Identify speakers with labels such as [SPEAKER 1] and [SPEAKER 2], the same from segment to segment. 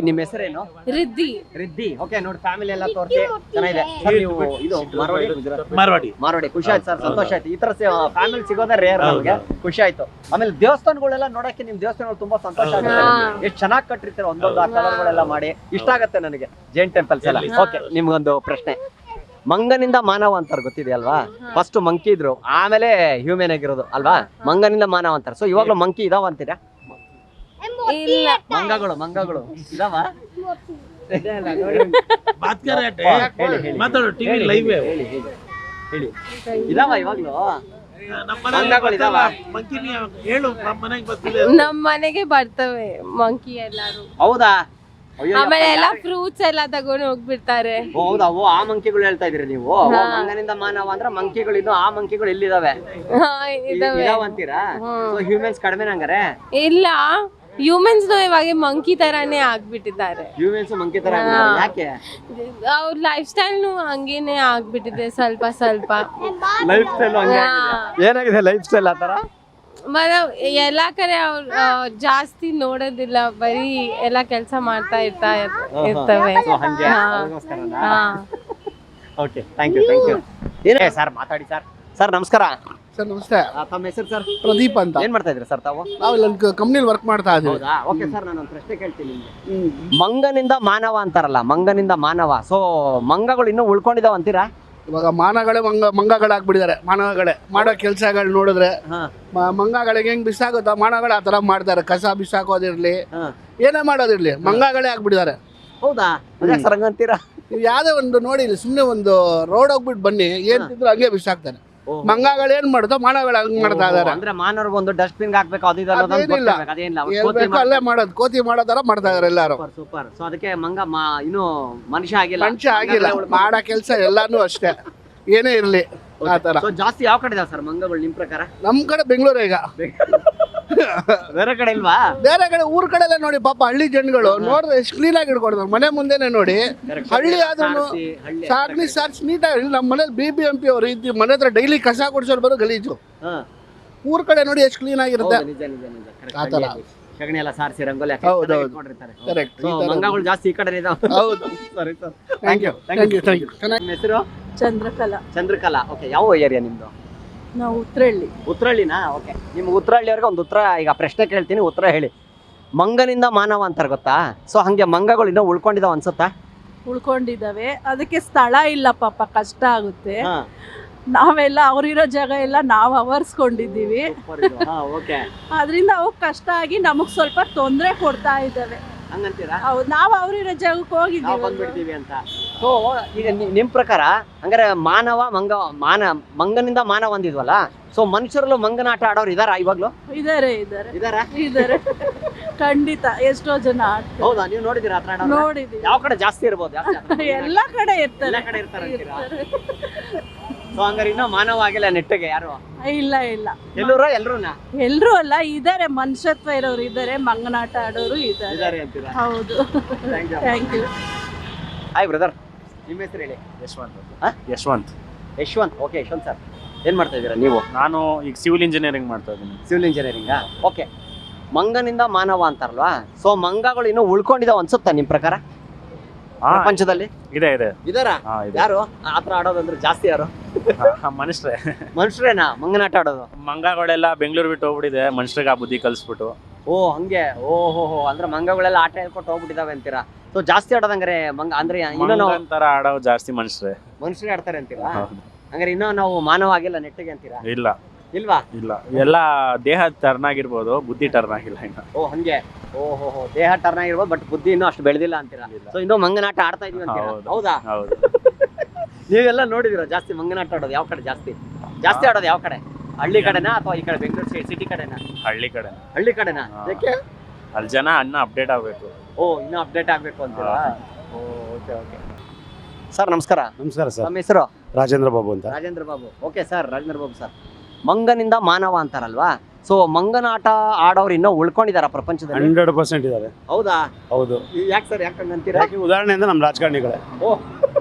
[SPEAKER 1] ನಿಮ್ಮ ಹೆಸರೇನು?
[SPEAKER 2] ರಿದ್ದಿ.
[SPEAKER 1] ರಿದ್ದಿ. ಓಕೆ ನೋಡಿ ಫ್ಯಾಮಿಲಿ ಎಲ್ಲ ತೋರಿಸಿ ಚೆನ್ನಾಗಿದೆ. ನೀವು ಇದು ಮಾರವಾಡಿ. ಖುಷಿ ಆಯ್ತು ಸರ್, ಸಂತೋಷ ಆಯ್ತು. ಈ ತರ ಫ್ಯಾಮಿಲಿ ಸಿಗೋದೇ ರೇರ್ ನಮಗೆ, ಖುಷಿ ಆಯ್ತು. ಆಮೇಲೆ ದೇವಸ್ಥಾನಗಳೆಲ್ಲ ನೋಡಕ್ಕೆ ನಿಮ್ ದೇವಸ್ಥಾನಗಳು ತುಂಬಾ ಸಂತೋಷ ಆಗುತ್ತೆ. ಎಷ್ಟು ಚೆನ್ನಾಗಿ ಕಟ್ಟಿರ್ತೀರ, ಒಂದೊಂದು ಆ ಕಲರ್ಗಳೆಲ್ಲ ಮಾಡಿ ಇಷ್ಟ ಆಗತ್ತೆ ನನಗೆ. ಜೈನ್ ಟೆಂಪಲ್ಸ್ ಎಲ್ಲ. ಓಕೆ, ನಿಮ್ಗೊಂದು ಪ್ರಶ್ನೆ. ಮಂಗನಿಂದ ಮಾನವ ಅಂತಾರೆ ಗೊತ್ತಿದೆಯಲ್ವಾ? ಫಸ್ಟ್ ಮಂಕಿ ಇದ್ರು, ಆಮೇಲೆ ಹ್ಯೂಮನ್ ಆಗಿರೋದು ಅಲ್ವಾ? ಮಂಗನಿಂದ ಮಾನವ ಅಂತಾರೆ. ಸೊ ಇವಾಗ್ಲೂ ಮಂಕಿ ಇದಾವ ಅಂತೀರಾ?
[SPEAKER 2] ಇಲ್ಲ,
[SPEAKER 1] ಮಂಗಗಳು ಇದಾವ? ಹೇಳಿ ಇದಾವ ಇವಾಗ್ಲೂ?
[SPEAKER 2] ನಮ್ ಮನೆಗೆ ಬರ್ತವೆ ಮಂಕಿ ಎಲ್ಲಾರು.
[SPEAKER 1] ಹೌದಾ?
[SPEAKER 2] ಆಮೇಲೆ ಎಲ್ಲ ಫ್ರೂಟ್ಸ್ ಎಲ್ಲ ತಗೊಂಡು ಹೋಗ್ಬಿಡ್ತಾರೆ.
[SPEAKER 1] ಹೌದಾ? ಆ ಮಂಕಿಗಳು ಹೇಳ್ತಾ ಇದೀರಿ ನೀವು? ಮಂಗನಿಂದ ಮಾನವ ಅಂದ್ರೆ ಮಂಕಿಗಳು ಇನ್ನು ಆ ಮಂಕಿಗಳು ಎಲ್ಲಿದಾವೆ? ಅಂತೀರಾ? ಹ್ಯೂಮನ್ಸ್ ಕಡಿಮೆ ಹಂಗಾರೆ?
[SPEAKER 2] ಇಲ್ಲ, ಹ್ಯೂಮನ್ಸ್ ಇವಾಗ ಮಂಕಿ ತರಾನೇ ಆಗ್ಬಿಟ್ಟಿದ್ದಾರೆ.
[SPEAKER 1] ಹ್ಯೂಮನ್ಸ್ ಮಂಕಿ ತರ ಯಾಕೆ?
[SPEAKER 2] ಅವ್ರ ಲೈಫ್ ಸ್ಟೈಲ್ ಹಂಗೇನೆ ಆಗ್ಬಿಟ್ಟಿದೆ ಸ್ವಲ್ಪ.
[SPEAKER 1] ಲೈಫ್ ಸ್ಟೈಲ್ ಏನಾಗಿದೆ? ಲೈಫ್ ಸ್ಟೈಲ್ ಆತರ
[SPEAKER 2] ಎಲ್ಲಾ ಕಡೆ ಅವ್ರು ಜಾಸ್ತಿ ನೋಡೋದಿಲ್ಲ, ಬರೀ ಎಲ್ಲಾ ಕೆಲಸ ಮಾಡ್ತಾ ಇರ್ತವೆ.
[SPEAKER 1] ಸರ್ ಮಾತಾಡಿ ಸರ್. ಸರ್ ನಮಸ್ಕಾರ.
[SPEAKER 3] ಸರ್ ನಮಸ್ತೆ.
[SPEAKER 1] ತಮ್ಮ ಹೆಸರು ಸರ್?
[SPEAKER 3] ಪ್ರದೀಪ್ ಅಂತ.
[SPEAKER 1] ಏನ್ ಮಾಡ್ತಾ ಇದ್ರಿ ಸರ್ ತಾವು?
[SPEAKER 3] ನಾವು ಇಲ್ಲಿ ಕಂಪ್ನಿಲಿ ವರ್ಕ್ ಮಾಡ್ತಾ ಇದ್ದೀವಿ.
[SPEAKER 1] ಓಕೆ ಸರ್, ನಾನೊಂದು ಪ್ರಶ್ನೆ ಕೇಳ್ತೀನಿ ನಿಮ್ಗೆ. ಮಂಗನಿಂದ ಮಾನವ ಅಂತಾರಲ್ಲ, ಮಂಗನಿಂದ ಮಾನವ. ಸೊ ಮಂಗಗಳು ಇನ್ನೂ ಉಳ್ಕೊಂಡಿದಾವ ಅಂತೀರಾ?
[SPEAKER 3] ಇವಾಗ ಮಾನಗಳೇ ಮಂಗಗಳಾಗ್ಬಿಟ್ಟಿದ್ದಾರೆ. ಮಾನವಗಳೇ ಮಾಡೋ ಕೆಲಸಗಳು ನೋಡಿದ್ರೆ ಮಂಗಗಳಿಗೆ ಹೆಂಗ್ ಬಿಸಾಗುತ್ತಾ ಮಾನಗಳು ಆ ತರ ಮಾಡ್ತಾರೆ. ಕಸ ಬಿಸಾಕೋದಿರ್ಲಿ, ಏನೇ ಮಾಡೋದಿರ್ಲಿ, ಮಂಗಗಳೇ ಆಗ್ಬಿಟ್ಟಿದ್ದಾರೆ.
[SPEAKER 1] ಹೌದಾ? ಸರ್ ಹಂಗಂತೀರಾ?
[SPEAKER 3] ನೀವು ಯಾವ್ದೇ ಒಂದು ನೋಡಿ, ಸುಮ್ನೆ ಒಂದು ರೋಡ್ ಹೋಗ್ಬಿಟ್ಟು ಬನ್ನಿ, ಏನ್ ತಿಂದ್ರು ಹಂಗೆ ಬಿಸಾಕ್ತಾರೆ. ಮಂಗಗಳು ಏನ್ ಮಾಡುತ್ತೋ ಮಾನವಗಳು ಹಂಗ್ ಮಾಡ್ತಾ ಇದಾರೆ.
[SPEAKER 1] ಅಂದ್ರೆ ಮಾನವ್ರಿಗೆ ಒಂದು ಡಸ್ಟ್ಬಿನ್ ಹಾಕ್ಬೇಕು,
[SPEAKER 3] ಅಲ್ಲೇ ಮಾಡೋದು, ಕೋತಿ ಮಾಡೋ ತರ ಮಾಡ್ತಾ ಇದಾರೆ ಎಲ್ಲಾರು.
[SPEAKER 1] ಸೂಪರ್. ಸೊ ಅದಕ್ಕೆ ಮಂಗ ಇನ್ನು ಮನುಷ್ಯ ಆಗಿಲ್ಲ.
[SPEAKER 3] ಮಾಡೋ ಕೆಲಸ ಎಲ್ಲಾನು ಅಷ್ಟೇ, ಏನೇ ಇರ್ಲಿ ಆ ತರ.
[SPEAKER 1] ಜಾಸ್ತಿ ಯಾವ ಕಡೆ ಇದಾವೆ ಸರ್ ಮಂಗಗಳು ನಿಮ್ ಪ್ರಕಾರ?
[SPEAKER 3] ನಮ್ ಕಡೆ ಬೆಂಗಳೂರು. ಈಗ
[SPEAKER 1] ಬೇರೆ ಕಡೆ ಇಲ್ವಾ?
[SPEAKER 3] ಬೇರೆ ಕಡೆ ಊರ್ ಕಡೆ ಎಲ್ಲ ನೋಡಿ, ಪಾಪ ಹಳ್ಳಿ ಜನಗಳು ನೋಡಿದ್ರೆ ಎಷ್ಟು ಕ್ಲೀನ್ ಆಗಿ ಇಟ್ಕೊಡ್ತಾರೆ. ಮನೆ ಮುಂದೆನೆ ನೋಡಿ, ಹಳ್ಳಿ ಆದ್ರೂ ಸಾರ್ಸಿ ನೀಟಾಗಿ. ನಮ್ಮ ಮನೇಲಿ BBMP ಅವರು ಇದ್ದು ಮನೆ ಹತ್ರ ಡೈಲಿ ಕಸ ಕೊಡ್ಸೋರು ಬರೋ ಗಲೀಜು. ಊರ್ ಕಡೆ ನೋಡಿ ಎಷ್ಟು ಕ್ಲೀನ್ ಆಗಿರುತ್ತೆ. ಆತರ
[SPEAKER 1] ಸಗಣಿ ಎಲ್ಲ ಸಾರಿಸಿ ರಂಗೋಲಿ
[SPEAKER 3] ಕರೆಕ್ಟ್.
[SPEAKER 1] ಮಂಗಗಳು ಜಾಸ್ತಿ ಈ ಕಡೆ ಇದಾವೆ.
[SPEAKER 3] ಹೌದು.
[SPEAKER 1] ಸರಿ ಸರ್,
[SPEAKER 3] ಥ್ಯಾಂಕ್ ಯು.
[SPEAKER 1] ನಿಮ್ಮ ಹೆಸರು?
[SPEAKER 2] ಚಂದ್ರಕಲಾ.
[SPEAKER 1] ಓಕೆ, ಯಾವ ಏರಿಯಾ ನಿಮ್ದು?
[SPEAKER 2] ನಾವು
[SPEAKER 1] ಉತ್ರಳ್ಳಿನಾ? ಓಕೆ, ನಿಮ್ಗೆ ಉತ್ರಳ್ಳಿಯವ್ರಿಗೆ ಒಂದು ಉತ್ತರ ಈಗ ಪ್ರಶ್ನೆ ಕೇಳ್ತೀನಿ, ಉತ್ತರ ಹೇಳಿ. ಮಂಗನಿಂದ ಮಾನವ ಅಂತಾರೆ ಗೊತ್ತಾ? ಸೊ ಹಂಗೆ ಮಂಗಗಳು ಇನ್ನೂ ಉಳ್ಕೊಂಡಿದಾವ ಅನ್ಸುತ್ತಾ?
[SPEAKER 4] ಉಳ್ಕೊಂಡಿದ್ದಾವೆ. ಅದಕ್ಕೆ ಸ್ಥಳ ಇಲ್ಲ ಪಾಪ, ಕಷ್ಟ ಆಗುತ್ತೆ. ನಾವೆಲ್ಲ ಅವ್ರಿರೋ ಜಾಗ ಎಲ್ಲ ನಾವು ಅವರ್ಸ್ಕೊಂಡಿದ್ದೀವಿ. ಅದರಿಂದ ಅವು ಕಷ್ಟ ಆಗಿ ನಮಗ್ ಸ್ವಲ್ಪ ತೊಂದರೆ ಕೊಡ್ತಾ ಇದ್ದಾವೆ. ಹೌದು, ನಾವು ಅವ್ರಿರೋ ಜಾಗಕ್ಕೆ ಹೋಗಿದ್ದೀವಿ
[SPEAKER 1] ಅಂತ. ಸೊ ಈಗ ನಿಮ್ ಪ್ರಕಾರ ಹಂಗಾರೆ ಮಂಗನಿಂದ ಮಾನವ ಅಂದಿದ್ವಲ್ಲ, ಸೊ ಮನುಷ್ಯರಲ್ಲೂ ಮಂಗನ ಆಟ ಆಡೋರು ಇದಾರ ಇವಾಗ್ಲೂ?
[SPEAKER 4] ಇದಾರೆ ಖಂಡಿತ. ಎಷ್ಟೋ ಜನ ಆಡ್ತಾರೆ.
[SPEAKER 1] ಹೌದಾ? ನೀವು ನೋಡಿದೀರಾ?
[SPEAKER 4] ನೋಡಿದೀವಿ.
[SPEAKER 1] ಯಾವ ಕಡೆ ಜಾಸ್ತಿ ಇರ್ಬೋದು?
[SPEAKER 4] ಎಲ್ಲಾ ಕಡೆ ಇರ್ತಾರೆ.
[SPEAKER 1] ಸೊ ಹಂಗಾರೆ ಇನ್ನೂ ಮಾನವ ಆಗಿಲ್ಲ ನೆಟ್ಟಿಗೆ ಯಾರು?
[SPEAKER 4] ಇಲ್ಲ.
[SPEAKER 1] ಎಲ್ರೂ
[SPEAKER 4] ಅಲ್ಲ, ಇದಾರೆ. ಮನುಷ್ಯತ್ವ ಇರೋರು ಇದಾರೆ, ಮಂಗನಾಟ ಆಡೋರು ಇದಾರೆ. ಹೌದು. Thank you.
[SPEAKER 1] ಹಾಯ್ ಬ್ರದರ್, ನಿಮ್ಮ ಹೆಸರು ಹೇಳಿ? ಯಶವಂತ್. ಓಕೆ ಯಶವಂತ್ ಸರ್, ಏನ್ ಮಾಡ್ತಾ ಇದ್ದೀರಾ ನೀವು?
[SPEAKER 5] ನಾನು ಈಗ ಸಿವಿಲ್ ಇಂಜಿನಿಯರಿಂಗ್ ಮಾಡ್ತಾ ಇದ್ದೀನಿ.
[SPEAKER 1] ಸಿವಿಲ್ ಇಂಜಿನಿಯರಿಂಗಾ? ಓಕೆ. ಮಂಗನಿಂದ ಮಾನವ ಅಂತಾರಲ್ವಾ? ಸೊ ಮಂಗಗಳು ಇನ್ನೂ ಉಳ್ಕೊಂಡಿದಾವ ಅನ್ಸುತ್ತಾ ನಿಮ್ ಪ್ರಕಾರ ಪ್ರಪಂಚದಲ್ಲಿ?
[SPEAKER 5] ಇದಾರ?
[SPEAKER 1] ಯಾರು ಆತರ ಆಡೋದಂದ್ರೆ ಜಾಸ್ತಿ? ಯಾರು? ಮನುಷ್ಯರೇನಾ ಮಂಗನಾಟ ಆಡೋದು?
[SPEAKER 5] ಮಂಗಗಳೆಲ್ಲ ಬೆಂಗಳೂರು ಬಿಟ್ಟು ಹೋಗ್ಬಿಟ್ಟಿದೆ, ಮನುಷ್ಯರಿಗೆ ಆ ಬುದ್ಧಿ ಕಲಿಸ್ಬಿಟ್ಟು.
[SPEAKER 1] ಓ ಹಂಗೆ. ಓಹೋ, ಅಂದ್ರೆ ಮಂಗಗಳೆಲ್ಲ ಆಟ ಹೇಳ್ಕೊಟ್ಟು ಹೋಗ್ಬಿಟ್ಟಿದಾವೆ ಅಂತೀರಾ? ಸೊ ಜಾಸ್ತಿ ಆಡೋದಂದ್ರೆ ಮಂಗ ಅಂದ್ರೆ
[SPEAKER 5] ತರ ಆಡೋ ಜಾಸ್ತಿ ಮನುಷ್ಯರೇ
[SPEAKER 1] ಆಡ್ತಾರೆ ಅಂತೀರಾ? ಹಂಗಾರೆ ಇನ್ನೂ ನಾವು ಮಾನವ ಆಗಿಲ್ಲ ನೆಟ್ಟಿಗೆ ಅಂತೀರಾ? ಇಲ್ವಾ?
[SPEAKER 5] ಎಲ್ಲ ದೇಹ ಟರ್ನ್ ಆಗಿರ್ಬೋದು, ಬುದ್ಧಿ ಟರ್ನ್ ಆಗಿಲ್ಲ ಇನ್ನು.
[SPEAKER 1] ಓ ಹಂಗೆ. ಓಹೋ, ದೇಹ ಟರ್ನ್ ಆಗಿರ್ಬೋದು, ಬಟ್ ಬುದ್ಧಿ ಇನ್ನೂ ಅಷ್ಟು ಬೆಳೆದಿಲ್ಲ ಅಂತೀರಾ? ಸೊ ಇನ್ನೂ ಮಂಗನಾಟ ಆಡ್ತಾ ಇದೀವಿ ಅಂತೀರಾ? ಹೌದಾ? ನೀವೆಲ್ಲ ನೋಡಿದಿರ ಜಾಸ್ತಿ ಮಂಗನಾಟ ಆಡೋದು? ಯಾವ ಕಡೆ ಜಾಸ್ತಿ ಆಡೋದು? ಯಾವ ಕಡೆ? ಹಳ್ಳಿ ಕಡೆನಾ ಅಥವಾ ಈ ಕಡೆ ಬೆಂಗಳೂರು ಸಿಟಿ ಕಡೆನಾ? ಹಳ್ಳಿ ಕಡೆನಾ? ಯಾಕೆ?
[SPEAKER 5] ಅಲ್ಲಿ ಜನ ಅಪ್ಡೇಟ್ ಆಗ್ಬೇಕು.
[SPEAKER 1] ಓ, ಇನ್ನೂ ಅಪ್ಡೇಟ್ ಆಗ್ಬೇಕು ಅಂತೀರಾ? ಓಕೆ. ಸರ್ ನಮಸ್ಕಾರ.
[SPEAKER 6] ಸರ್.
[SPEAKER 1] ನಮ್ಮ ಹೆಸರು?
[SPEAKER 6] ರಾಜೇಂದ್ರ ಬಾಬು ಅಂತ.
[SPEAKER 1] Okay sir, Rajendra Babu sir. ಮಂಗನಿಂದ ಮಾನವ ಅಂತಾರಲ್ವಾ? ಸೊ ಮಂಗನಾಟ ಆಡೋರು ಇನ್ನೂ ಉಳ್ಕೊಂಡಿದಾರ ಪ್ರಪಂಚದಲ್ಲಿ?
[SPEAKER 6] 100% ಇದ್ದಾರೆ.
[SPEAKER 1] ಹೌದಾ?
[SPEAKER 6] ಹೌದು.
[SPEAKER 1] ಯಾಕೆ ಸರ್, ಯಾಕಂತೀರಾ?
[SPEAKER 6] ಉದಾಹರಣೆಯಿಂದ ನಮ್ಮ ರಾಜಕಾರಣಿಗಳೇ.
[SPEAKER 1] ಓ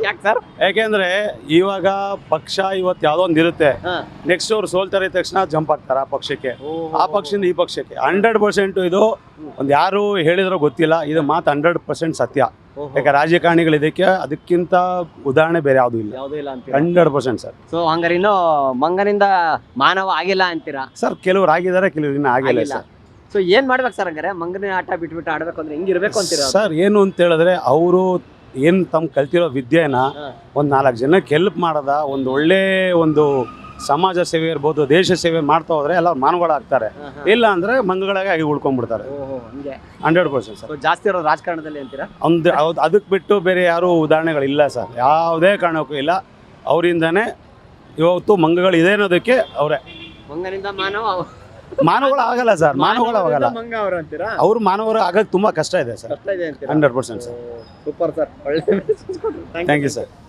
[SPEAKER 1] ಯಾಕೆ ಸರ್?
[SPEAKER 6] ಯಾಕೆಂದ್ರೆ ಇವಾಗ ಪಕ್ಷ ಇವತ್ತು ಯಾವ್ದೋ ಒಂದು ಇರುತ್ತೆ, ನೆಕ್ಸ್ಟ್ ಅವ್ರು ಸೋಲ್ತಾರೆ ತಕ್ಷಣ ಜಂಪ್ ಆಗ್ತಾರೆ ಆ ಪಕ್ಷಕ್ಕೆ, ಆ ಪಕ್ಷದಿಂದ ಈ ಪಕ್ಷಕ್ಕೆ. 100% ಇದು ಒಂದು ಯಾರು ಹೇಳಿದ್ರೋ ಗೊತ್ತಿಲ್ಲ, ಇದು ಮಾತು 100% ಸತ್ಯ. ಯಾಕೆ ರಾಜಕಾರಣಿಗಳು ಇದಕ್ಕೆ ಅದಕ್ಕಿಂತ ಉದಾಹರಣೆ ಬೇರೆ ಯಾವುದೂ ಇಲ್ಲ.
[SPEAKER 1] ಯಾವುದೂ ಇಲ್ಲ ಅಂತ
[SPEAKER 6] 100% ಸರ್.
[SPEAKER 1] ಸೊ ಹಂಗಾರೆ ಇನ್ನು ಮಂಗನಿಂದ ಮಾನವ ಆಗಿಲ್ಲ ಅಂತೀರಾ?
[SPEAKER 6] ಸರ್ ಕೆಲವ್ರು ಆಗಿದ್ದಾರೆ, ಕೆಲವ್ರು ಇನ್ನೂ ಆಗಿಲ್ಲ ಸರ್.
[SPEAKER 1] ಸೊ ಏನ್ ಮಾಡ್ಬೇಕು ಸರ್ ಹಂಗಾರೆ? ಮಂಗನ ಆಟ ಬಿಟ್ಬಿಟ್ಟು ಆಡ್ಬೇಕು ಅಂದ್ರೆ ಹೆಂಗಿರ್ಬೇಕು ಅಂತೀರಾ?
[SPEAKER 6] ಸರ್ ಏನು ಅಂತ ಹೇಳಿದ್ರೆ ಅವರು ಏನು ತಮ್ಮ ಕಲ್ತಿರೋ ವಿದ್ಯೆನ ಒಂದು 4 ಜನಕ್ಕೆ ಹೆಲ್ಪ್ ಮಾಡದ, ಒಂದು ಒಳ್ಳೆ ಒಂದು ಸಮಾಜ ಸೇವೆ ಇರ್ಬೋದು, ದೇಶ ಸೇವೆ ಮಾಡ್ತಾ ಹೋದ್ರೆ ಎಲ್ಲ ಮಾನವಗಳಾಗ್ತಾರೆ. ಇಲ್ಲ ಅಂದ್ರೆ ಮಂಗಗಳಾಗಿ ಆಗಿ ಉಳ್ಕೊಂಡ್ಬಿಡ್ತಾರೆ. 100% ಸರ್.
[SPEAKER 1] ಜಾಸ್ತಿ ಇರೋದು ರಾಜಕಾರಣದಲ್ಲಿ ಅಂತೀರಾ?
[SPEAKER 6] ಅದಕ್ಕೆ ಬಿಟ್ಟು ಬೇರೆ ಯಾರು ಉದಾಹರಣೆಗಳಿಲ್ಲ ಸರ್, ಯಾವುದೇ ಕಾರಣಕ್ಕೂ ಇಲ್ಲ. ಅವರಿಂದಾನೇ ಇವತ್ತು ಮಂಗಗಳು ಇದೆ ಅನ್ನೋದಕ್ಕೆ ಅವರೇ.
[SPEAKER 1] ಮಂಗನಿಂದ
[SPEAKER 6] ಮಾನವಗಳು ಆಗಲ್ಲ ಸರ್, ಮಾನವಗಳು ಆಗಲ್ಲ.
[SPEAKER 1] ಮಂಗ ಅವರು ಅಂತೀರಾ?
[SPEAKER 6] ಅವ್ರು ಮಾನವರು ಆಗಕ್ಕೆ ತುಂಬಾ ಕಷ್ಟ ಇದೆ ಸರ್.
[SPEAKER 1] 100%
[SPEAKER 6] ಸರ್.
[SPEAKER 1] ಸೂಪರ್ ಸರ್, ಒಳ್ಳೆ
[SPEAKER 6] ಥ್ಯಾಂಕ್ ಯು ಸರ್.